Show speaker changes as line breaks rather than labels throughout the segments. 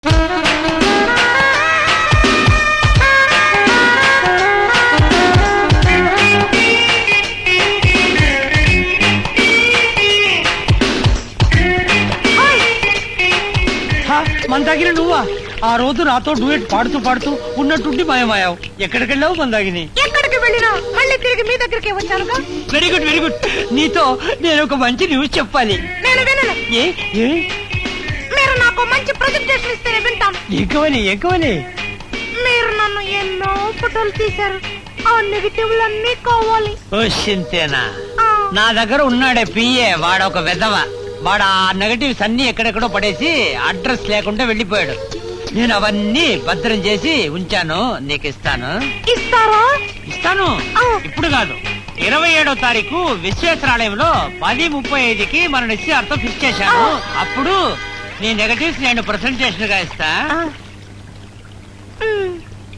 మందాగిని నువ్వా? ఆ రోజు నాతో డూయట్ పాడుతూ పాడుతూ ఉన్నట్టుండి మాయమాయావు. ఎక్కడికెళ్ళావు మందాగిని?
ఎక్కడికి వెళ్ళినా మళ్ళీ తిరిగి మీ దగ్గరికి వచ్చానుగా.
Very good very good. నీతో నేను ఒక మంచి న్యూస్ చెప్పాలి.
నేను వినను.
ఏ ఏ
మీరు నాకు మంచి ప్రజెంటేషన్ ఇస్తేనే వింటాను.
ఎక్కువని
మీరు నన్ను ఎన్నో ఫోటోలు తీశారు. ఆ నెగిటివ్లన్నీ కావాలి.
ఓ సింతేనా?
ఆ,
నా దగ్గర ఉన్నాడే పిఏ, వాడొక వెధవ. వాడు ఆ నెగటివ్స్ అన్ని ఎక్కడెక్కడో పడేసి అడ్రస్ లేకుండా వెళ్ళిపోయాడు. నేను అవన్నీ భద్రం చేసి ఉంచాను, నీకు ఇస్తాను.
ఇస్తారా?
ఇస్తాను.
ఆ.
ఇప్పుడు కాదు, 27వ తారీఖు విశ్వేశ్వరాలయంలో 10:35కి మన నిశ్చయార్థం ఫిక్స్ చేశాను. అప్పుడు నీ నెగటివ్స్ నేను ప్రెసెంటేషన్ గా ఇస్తా.
ఆ. మ్.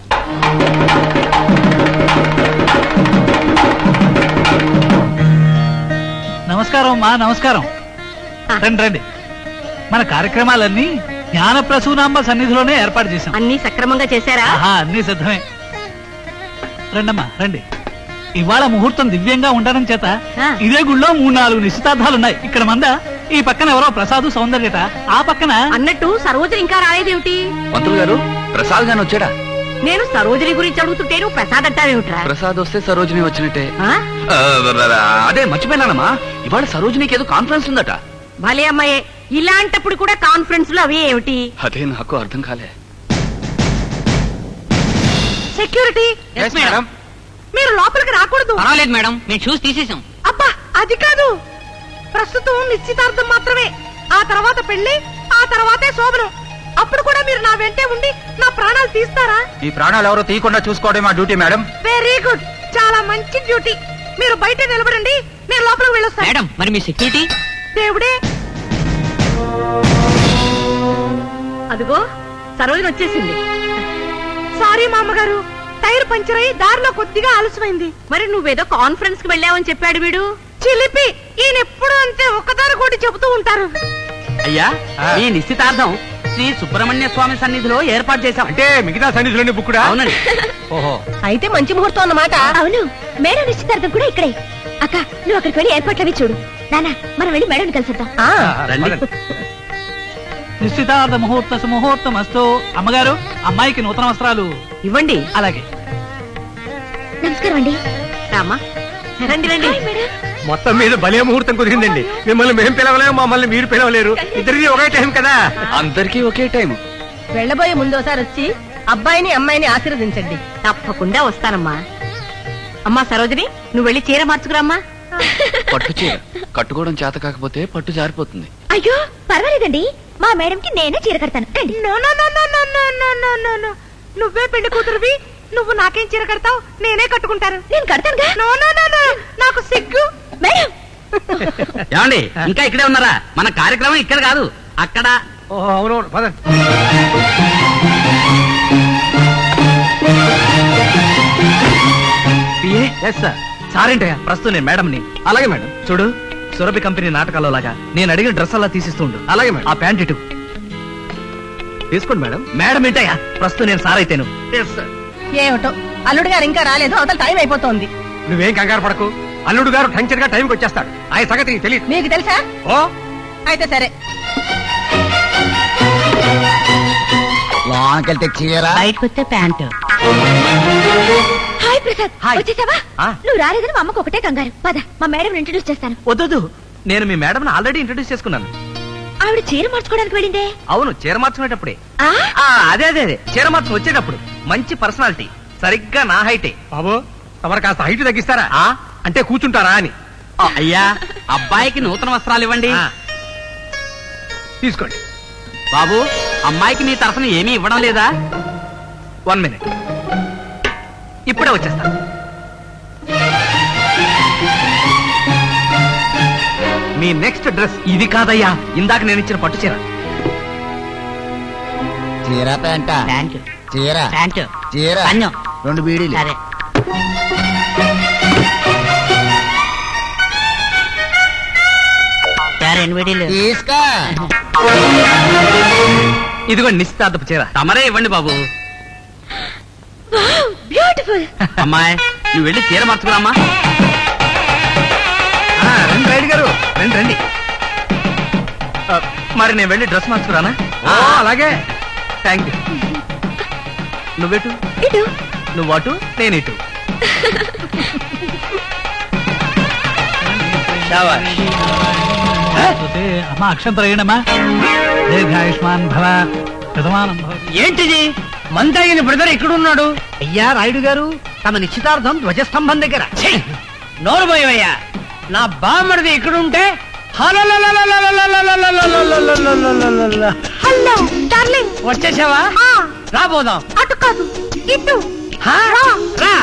నమస్కారం అమ్మా, నమస్కారం. రండి రండి. మన కార్యక్రమాలన్నీ జ్ఞాన ప్రసూనాంబ సన్నిధిలోనే ఏర్పాటు చేశాం.
అన్ని సక్రమంగా చేశారా?
ఆహా, అన్ని సిద్ధమే. రండమ్మా రండి. ఇవాళ ముహూర్తం దివ్యంగా ఉండడం చేత
ఆ.
ఇదే గుళ్ళో 3-4 నిశ్చితార్థాలున్నాయి. ఇక్కడ మంద ఈ పక్కన ఎవరో ప్రసాదు సౌందర్యట, ఆ పక్కన
అన్నట్టు సరోజని ఇంకా రాలేదేమిటి?
మంత్రులు గారు, ప్రసాద్ గాని వచ్చాడా?
నేను సరోజని గురించి అడుగుతుంటే నువ్వు ప్రసాద్ అంటావేమిట్రా?
ప్రసాద్ వస్తే సరోజిని వచ్చినట్టే.
ఆ?
అదే మర్చిపోయినానమ్మా, ఇవాళ సరోజినికి ఏదో కాన్ఫరెన్స్ ఉందట.
భలే అమ్మాయే, ఇలాంటప్పుడు కూడా కాన్ఫరెన్స్ లో అవి ఏమిటి?
అదే నాకు అర్థం కాలే.
సెక్యూరిటీ, మీరు లోపలికి రాకూడదు.
పర్వాలేదు మేడం, మేము చూసి తీసేసాం.
అబ్బా, అది కాదు. ప్రస్తుతం నిశ్చితార్థం మాత్రమే. ఆ తర్వాత పెళ్లి, ఆ తర్వాతే శోభనం. అప్పుడు కూడా మీరు నా వెంటే ఉండి నా ప్రాణాలు తీస్తారా?
ఈ ప్రాణాలు ఎవరో తీయకుండా చూసుకోవడం మా డ్యూటీ మేడం.
వెరీ గుడ్, చాలా మంచి డ్యూటీ. మీరు బయట నిలబడండి, నేను లోపలికి వెళ్ళొస్తాను.
మేడం, మరి మీ సెక్యూరిటీ?
దేవుడే, అదిగో సరోజని వచ్చేసింది. సారీ మామగారు, టైర్ పంచర్ అయి దారిలో కొద్దిగా ఆలస్యమైంది. మరి నువ్వేదో కాన్ఫరెన్స్ కి వెళ్ళావని చెప్పాడు వీడు. చిలిపి, ఈయన ఎప్పుడు అంతే ఒక్కదారి కూడా చెబుతూ ఉంటారు.
అయ్యా, ఈ నిశ్చితార్థం శ్రీ సుబ్రహ్మణ్య స్వామి సన్నిధిలో ఏర్పాటు చేశాం.
అంటే మిగతా సన్నిధిలోని బుక్కుడా?
అవునండి.
ఓహో,
అయితే మంచి ముహూర్తం అన్నమాట.
అవును, మేడం నిశ్చితార్థం కూడా ఇక్కడే. అక్క, నువ్వు అక్కడికి వెళ్ళి ఏర్పాట్లు అవి చూడు. నాన్న, మనం వెళ్ళి మేడం కలిసిద్దాం.
రండి.
నిశ్చితార్థ ముహూర్త సుముహూర్తం అస్తు. అమ్మగారు, అమ్మాయికి నూతన వస్త్రాలు
ఇవ్వండి.
అలాగే.
నమస్కారం అండి.
రామా, రండి రండి.
Hi madam.
మొత్తం మీద భలే ముహూర్తం కుదిరిందండి. మిమ్మల్ని మేము పిలవలేము, మమ్మల్ని మీరు పిలవలేరు. ఇద్దరిది ఒకే టైం కదా. అందరికీ ఒకే టైం.
వెళ్ళబోయే ముందోసారి వచ్చి అబ్బాయిని అమ్మాయిని ఆశీర్వదించండి. తప్పకుండా వస్తానమ్మా. అమ్మా సరోజిని, నువ్వు వెళ్ళి చీర మార్చుకురామ్మా.
పట్టు చీర కట్టుకోవడం చేత కాకపోతే పట్టు జారిపోతుంది.
అయ్యో పర్వాలేదండి, మా మేడంకి నేనే చీర కడతాను. రండి.
No no no no no no no no no no. నువ్వే పెళ్లి కూతురువి, నువ్వు నాకేం చీర కడతావు? నేనే కట్టుకుంటాను.
నేను కడతానుగా.
నో నో నో నో, నాకు సిగ్గు.
మేడం,
ఏమండి, ఇంకా ఇక్కడే ఉన్నారా? మన కార్యక్రమం ఇక్కడ కాదు, అక్కడ.
అవునవును, పదండి.
సారేంటయ్యా, ప్రస్తుతం నేను మేడంని.
అలాగే మేడం.
చూడు, సురభి కంపెనీ నాటకాల్లో లాగా నేను అడిగిన డ్రెస్ అలా తీసిస్తుండు.
అలాగే మేడం.
ఆ ప్యాంట్ ఇటు
తీసుకోండి మేడం.
మేడం ఏంటయ్యా, ప్రస్తుతం నేను సార్ అయితేను.
ఏమిటో, అల్లుడు గారు ఇంకా రాలేదు, అవతల టైం అయిపోతోంది.
నువ్వేం కంగారు పడకు, అల్లుడు గారు టంచర్ గా టైంకి వచ్చేస్తాడు. ఆయన సంగతి నీకు తెలియదు.
మీకు తెలుసా?
ఓ,
అయితే సరే.
లోనకెళ్తే చీర,
బయటకు వస్తే ప్యాంటు.
Hi Prasad,
hi.
వచ్చేసావా?
ఆ.
నువ్వు రాలేదని మా అమ్మకు ఒకటే కంగారు. పద, మా మేడం ఇంట్రడ్యూస్ చేస్తాను.
వద్దు, నేను మీ మేడం ఆల్రెడీ ఇంట్రడ్యూస్ చేసుకున్నాను.
ఆవిడ చీర మార్చుకోవడానికి వెళ్ళిందే.
అవును, చీర మార్చుకునేటప్పుడే.
ఆ?
అదే అదే అదే, చీర మార్చుకుని వచ్చేటప్పుడు. మంచి పర్సనాలిటీ, సరిగ్గా నా హైటే.
బాబు తమరు కాస్త హైట్ తగ్గిస్తారా?
ఆ?
అంటే కూర్చుంటారా అని.
అయ్యా, అబ్బాయికి నూతన వస్త్రాలు ఇవ్వండి.
తీసుకోండి.
బాబు, అమ్మాయికి నీ తరఫున ఏమీ ఇవ్వడం లేదా?
1 minute.
ఇప్పుడే వచ్చేస్తా.
మీ నెక్స్ట్ డ్రెస్ ఇది కాదయ్యా, ఇందాక నేను ఇచ్చిన పట్టు చీర.
చీర ప్యాంట
ప్యాంటు
చీర
ప్యాంటు
చీర
పన్ను.
2 బీడీలు.
సరే. సరే, 2 వీడియోలు
తీసుకో.
ఇదిగోండి నిశ్చితార్థపు చీర.
తమరే ఇవ్వండి బాబు.
బ్యూటిఫుల్.
అమ్మాయి నువ్వు వెళ్ళి చీర మార్చుకురామ్మా.
రండి రైడ్ గారు, రండి రండి. మరి నేను వెళ్ళి డ్రెస్ మార్చుకురానా? అలాగే, థ్యాంక్ యూ. నువ్వెటు?
ఇటు.
నువ్వు అటు, నేను ఇటు.
అమ్మా అక్షం ప్రయణమా దీర్ఘాయుష్మాన్ భవ ప్రథమానం భవ.
ఏంటిది మందాగిన బ్రదర్ ఎక్కడున్నాడు?
అయ్యా రాయుడు గారు, తమ నిశ్చితార్థం ధ్వజస్తంభం దగ్గర.
ఛీ! నోరు పోయవయ్యా. నా బామ్మడిది ఎక్కడుంటే
హలో డార్లింగ్.
వచ్చేసావా? రాబోదాం.
అటు కాదు, ఇటు.
హా? రా.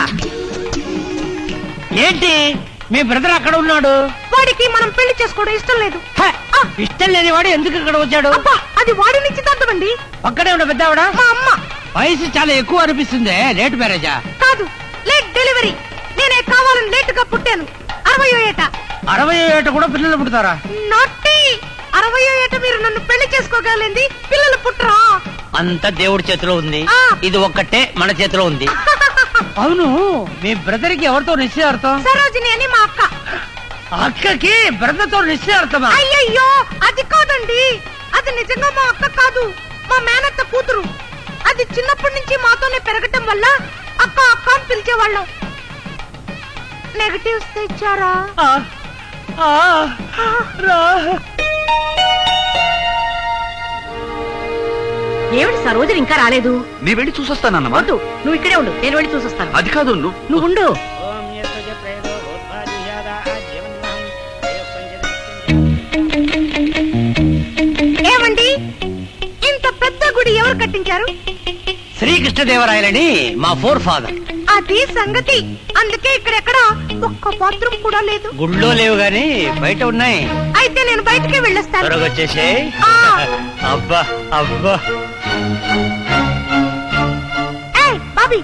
ఏంటి మీ బ్రదర్ అక్కడ ఉన్నాడు?
వాడికి మనం పెళ్లి చేసుకోవడం ఇష్టం లేదు.
హ! ఇష్టం లేని వాడు ఎందుకు ఇక్కడ వచ్చాడు?
అబ్బా, అది వాడి నిశ్చితార్థం అండి.
పక్కనే ఉన్న పెద్దావిడ
మా అమ్మ.
వయసు చాలా ఎక్కువ అనిపిస్తుంది. లేట్ మ్యారేజా?
కాదు, లేట్ డెలివరీ. నేనే కావాలని లేట్ గా పుట్టాను. 60వ ఏట.
60 ఏట కూడా పిల్లలు పుడతారా?
నాటి 60వ ఏట మీరు నన్ను పెళ్లి చేసుకోగలింది, పిల్లలు పుట్టరా?
అంత దేవుడి చేతిలో ఉంది.
ఆ.
ఇది ఒక్కటే మన చేతిలో ఉంది. అవును, మీ బ్రదర్ కి ఎవరితో నిశ్చయార్థం?
సరోజిని అని మా అక్క.
అక్కకి బ్రదర్ తో నిశ్చయార్థమా?
అయ్యయ్యో, అది కాదండి. అది నిజంగా మా అక్క కాదు, మా మేనత్త కూతురు. అది చిన్నప్పటి నుంచి మాతోనే పెరగటం వల్ల అక్క అక్క అని పిలిచేవాళ్ళం. నెగటివ్స్ తెచ్చారా? ఏమిటి సరోజని ఇంకా రాలేదు?
నీ వెళ్ళి చూసొస్తానమ్మా.
వద్దు, నువ్వు ఇక్కడే ఉండు, నేను వెళ్ళి చూసొస్తాను.
అది కాదు
నువ్వు ఉండు. ఏమండి, ఇంత పెద్ద గుడి ఎవరు కట్టించారు?
శ్రీకృష్ణదేవరాయలని మా ఫోర్ ఫాదర్.
అది సంగతి. అందుకే ఇక్కడెక్కడ ఒక్క బాత్రూమ్ కూడా లేదు.
గుళ్ళో లేవు గాని బయట ఉన్నాయి.
అయితే నేను బయటికి వెళ్ళొస్తాను.
త్వరగా వచ్చేసే.
ఆ.
అబ్బా అబ్బా.
ఏయ్, బాబీ.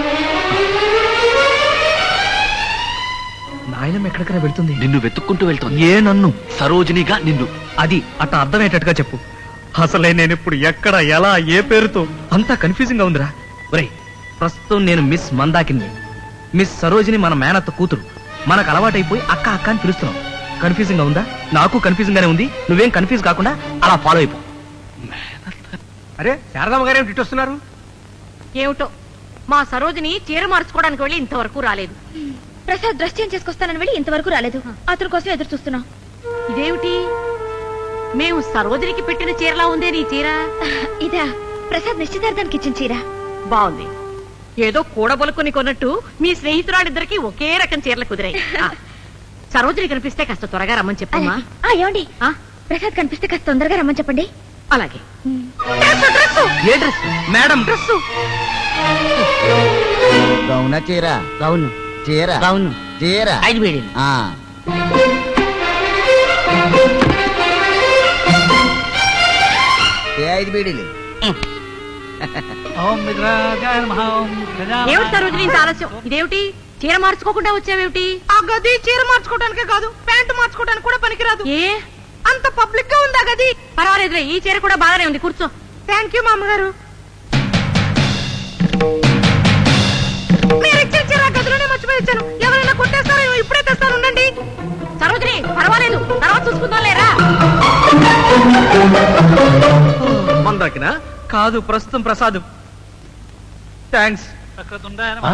నాయనం ఎక్కడికైనా వెళ్తుంది.
నిన్ను వెతుక్కుంటూ వెళ్తాను.
ఏ నన్ను?
సరోజినిగా నిన్ను.
అది అట్లా అర్థమయ్యేటట్టుగా చెప్పు. అసలే నేను ఇప్పుడు ఎక్కడ, ఎలా, ఏ పేరుతో అంతా కన్ఫ్యూజింగ్ గా ఉందిరా. ఒరేయ్, ప్రస్తుతం నేను మిస్ మందాకిని, మిస్ సరోజిని మన మేనత్త కూతురు. మనకు అలవాటైపోయి అక్క అక్క అని పిలుస్తున్నాం. కన్ఫ్యూజింగ్ గా ఉందా? నాకు కన్ఫ్యూజింగ్ గానే ఉంది. నువ్వేం కన్ఫ్యూజ్ కాకుండా అలా ఫాలో అయిపో. అరే శారదమ్మ గారు ఏమిటి వస్తున్నారు?
ఏమిటో, మా సరోజిని చీర మార్చుకోవడానికి వెళ్ళి ఇంతవరకు రాలేదు.
ప్రసాద్ డ్రెస్ చేంజ్ చేసుకొస్తానని వెళ్ళి ఇంతవరకు రాలేదు. అతని కోసం ఎదురు చూస్తున్నాం.
ఇదేమిటి, మేము సరోజినికి పెట్టిన చీరలా ఉందే నీ చీర?
ఇదా ప్రసాద్ నిశ్చితార్థానికి ఇచ్చిన చీర.
బాగుంది. ఏదో కూడబలుకుని కొన్నట్టు మీ స్నేహితురాలిద్దరికి ఒకే రకం చీరలు కుదిరాయి. సరోజిని కనిపిస్తే కాస్త త్వరగా రమ్మని చెప్పమ్మా.
ఏమండి,
ఆ?
ప్రసాద్ కనిపిస్తే కాస్త తొందరగా రమ్మని చెప్పండి.
అలాగే.
ఏ డ్రెస్? Madam dress.
గౌన చీర,
అవును
చీర,
అవును.
చీర.
5 బీడీలు.
ఆ. ఏ 5 బీడీలు?
ఓం విగ్రహాయ నమః. ఓం గజాననాయ
ఏమిటి సరోజిని ఇంత ఆలస్యం? ఇదేమిటి, చీర మార్చుకోకుండా వచ్చావేమిటి? ఆ గది చీర మార్చుకోవడానికే కాదు, ప్యాంటు మార్చుకోవడానికి కూడా పనికిరాదు. ఏ అంత పబ్లిక్ గా ఉందా గది? పర్వాలేదులే, ఈ చీర కూడా బాగానే ఉంది. కూర్చో. థ్యాంక్ యూ మామగారు. మీరు ఇచ్చిన చీర గదిలోనే మర్చిపోయి వచ్చాను. ఎవరైనా కొట్టేస్తారో ఇప్పుడే తెస్తాను, ఉండండి. సరోజిని పర్వాలేదు, తర్వాత చూసుకుందాం లేరా.
మందాకినా? కాదు, ప్రస్తుతం ప్రసాద్. థ్యాంక్స్.
వక్రతుండాయ నమః.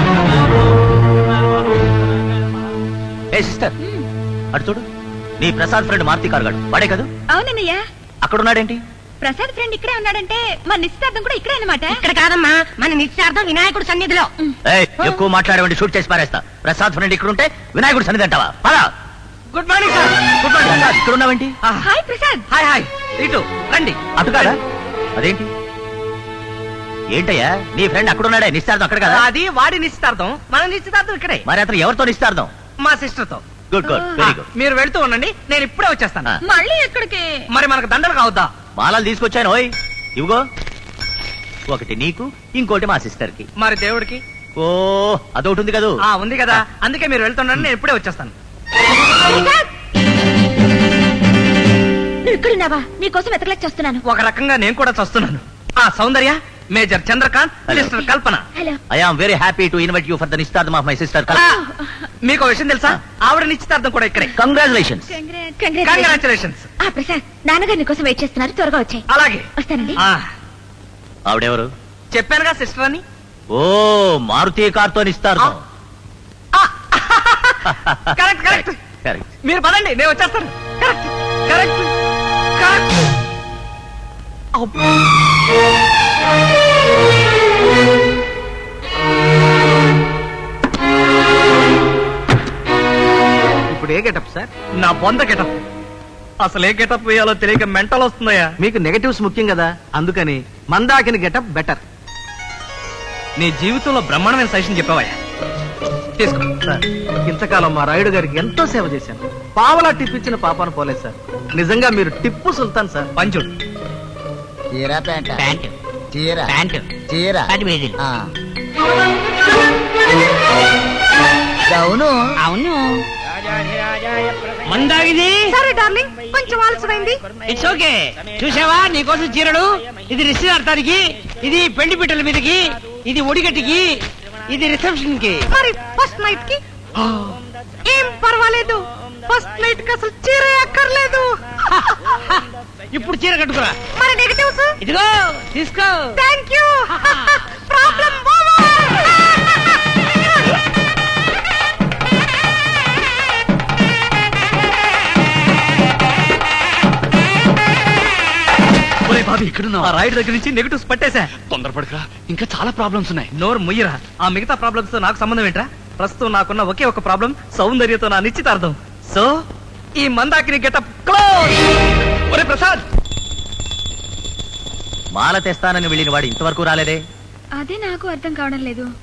ఏ సిస్టర్, అటు చూడు. నీ ప్రసాద్ ఫ్రెండ్ మార్తి కార్గాడు వాడే కదా?
అవునన్నయ్య,
అక్కడున్నాడేంటి?
ప్రసాద్ ఫ్రెండ్ ఇక్కడే ఉన్నాడంటే మన నిశ్చితార్థం కూడా ఇక్కడే అన్నమాట.
ఇక్కడ కాదమ్మా, మన నిశ్చార్థం వినాయకుడు సన్నిధిలో.
ఏయ్, ఎక్కువ మాట్లాడేవండి షూట్ చేసి పారేస్తా. ప్రసాద్ ఫ్రెండ్ ఇక్కడ ఉంటే వినాయకుడు సన్నిధి అంటావా? పదా.
Good morning sir.
Good morning Prasad, ఇక్కడ ఉన్నావేంటి?
హాయ్ ప్రసాద్.
Hi hi. ఇటు రండి.
అటు కాదా? అదేంటి? ఏంటయ్యా, నీ ఫ్రెండ్ అక్కడ ఉన్నాడే, నిశ్చార్థం అక్కడ కదా?
అది వాడి నిశ్చితార్థం, మన నిశ్చితార్థం ఇక్కడే.
మరి అతను ఎవరితో నిశ్చార్థం?
మా సిస్టర్ తో.
Good good, very good.
మీరు వెళ్తూ ఉండండి, నేను ఇప్పుడే వచ్చేస్తాను.
మళ్ళీ ఎక్కడికి?
మరి మనకు దండలు కావద్దా?
మాలలు తీసుకొచ్చాను. ఓయ్ ఇవిగో, ఒకటి నీకు, ఇంకోటి మా సిస్టర్ కి.
మరి దేవుడికి?
ఓ, అదొకటి ఉంది కదా?
ఉంది కదా, అందుకే మీరు వెళ్తుండండి, నేను ఇప్పుడే వచ్చేస్తాను.
నువ్వు నువ్వు ఇక్కడున్నావా నీకోసం వెతకలేక చేస్తున్నాను.
ఒక రకంగా నేను కూడా చస్తున్నాను. ఆ Soundarya, major Chandrakanth, sister Kalpana.
Hello.
I am very happy to invite you for the నిశ్చితార్థం ఆఫ్ మై సిస్టర్
మీకు విషయం తెలుసా? ఆవిడ నిశ్చితార్థం కూడా ఇక్కడే.
కంగ్రాచులేషన్స్.
కంగ్రాచులేషన్స్.
ఆ ప్రసాద్, నాన్నగారు నీకోసం వెయిట్ చేస్తున్నారు, త్వరగా వచ్చాయి.
అలాగే.
వస్తానండి.
ఆ,
ఆవిడెవరు?
చెప్పానుగా సిస్టర్ అని.
ఓ, మారుతి కార్తో నిశ్చితార్థం.
Correct correct.
కరెక్ట్.
మీరు పదండి, నేను వచ్చేస్తాను. Correct correct correct. అబ్బో.
ఇప్పుడు ఏ గెటప్ సార్?
నా బొంద గెటప్. అసలు ఏ గెటప్ వేయాలో తెలియక మెంటల్ వస్తుందయ్యా.
మీకు నెగటివ్స్ ముఖ్యం కదా, అందుకని మందాకిని గెటప్ బెటర్.
నీ జీవితంలో బ్రహ్మాండమైన సజెషన్ చెప్పావయ్యా. తీసుకో.
సార్, ఇంతకాలం మా రాయుడు గారికి ఎంతో సేవ చేశాను. పావలా టిప్ ఇచ్చిన పాపాను పోలేదు సార్. నిజంగా మీరు టిప్పు సుల్తాన్ సార్.
పంచుడు.
చీర ప్యాంట్
ప్యాంటు
చీర
ప్యాంటు
చీర
10 వేలు.
అవును
అవును. మందాగిది.
సరే డార్లింగ్, కొంచెం ఆలస్యమైంది.
It's okay. చూసావా, నీకోసం చీరలు. ఇది నిశ్చితార్థానికి, ఇది పెళ్లి పిట్టల మీదకి, ఇది ఒడిగట్టికి, ఇది రిసెప్షన్ కి.
మరి ఫస్ట్ నైట్ కి ఏం పర్వాలేదు. ఫస్ట్ నైట్ కి అసలు చీర అక్కర్లేదు.
ఇప్పుడు చీర కట్టుకురా.
మరి నెగటివ్స్?
ఇదిగో తీసుకో.
Thank you. ప్రాబ్లం
ఒరే బాబీ, ఆ రాయుడు దగ్గర నుంచి నెగటివ్స్ పట్టేశా.
తొందరపడకరా, ఇంకా చాలా ప్రాబ్లమ్స్ ఉన్నాయి.
నోరు ముయ్యరా. ఆ మిగతా ప్రాబ్లమ్స్ తో నాకు సంబంధం ఏంట్రా? ప్రస్తుతం నాకున్న ఒకే ఒక ప్రాబ్లం, సౌందర్యతో నా నిశ్చితార్థం. సో ఈ మందాకిని గెటప్ క్లోజ్. ఒరే ప్రసాద్,
మాల తెస్తానని వెళ్ళిన వాడు ఇంతవరకు రాలేదే.
అదే నాకు అర్థం కావడం లేదు.